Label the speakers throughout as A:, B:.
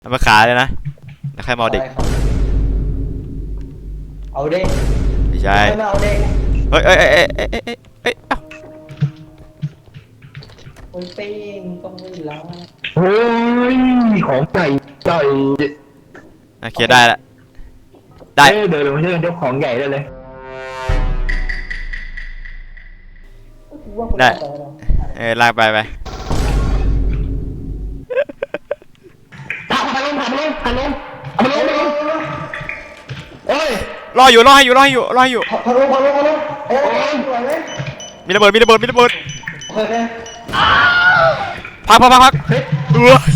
A: เอามาขายเลยนะแล้วใครมาเอาเด็ก
B: เอาเด็ก
A: ไม่ใช่
B: ไม่เอาเด็ก
A: เฮ้ยเอ้า
B: คนปิ้งต้องไม่ล้าง
C: เฮ้ยของใหญ่ใหญ่
A: โอเคได้ละได้
C: เดินลงมาช่วยกันยกของใหญ่ได้เลย
A: ได้ลากไป
C: ผ่านลงเอามาลงเอ้ย
A: รออยู่
B: พอลงเอ้ยสวยไหม
A: มีระเบิด
B: โอเค
A: พักเฮ้ย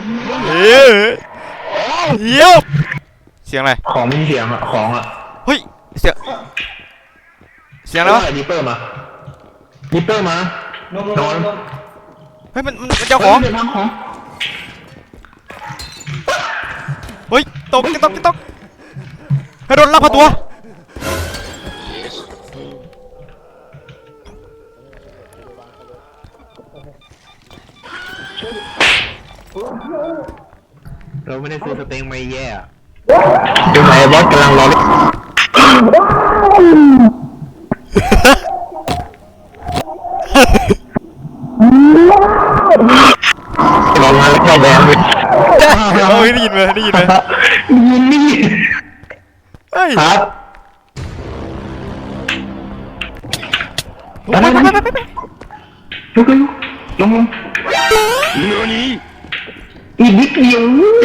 A: เยี่ยมเสียงอะไร
C: ของมีเสียงอะของอะ
A: เฮ้ยเสียงอะไรวะ
C: ดิปเปอร์มาน
B: อน
A: เฮ้ยมันเจ้าของเฮ้ยตกให้โดนลักพาตัว
C: เราไม่ได้ซื้อสเต็งไม่แย่ดูไหมบอสกำลังรอเล่นรอมาแล้วเข้าแดงเลย
A: ได้ยินไหม
C: ยิน
A: เฮ้ย
C: ครับ
A: ไปลุก
C: ลงอีกนิดเดียว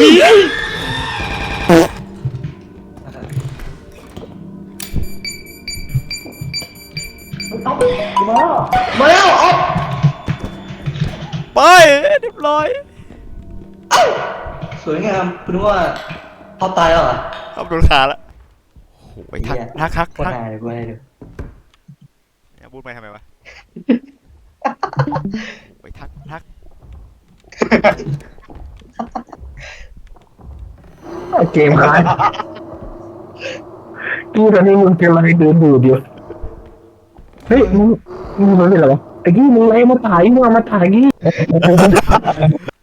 B: มาแล้วออก
A: ไปเรียบร้อย
B: สวยงามคุณว่าเขาตายแล้วเหรอ
A: เอาโดนขาละโอ้ยทัก
B: คนหายเลยกูให้ดู
A: พูดไปทำไมวะไปทัก
C: เกมค้างกูตอนนี้มึงเป็นอะไรเดินดูเดียวเฮ้ยมึงเป็นอะไรวะไอ้กี้มึงอะไรมาถ่ายมึงเอามาถ่ายกี้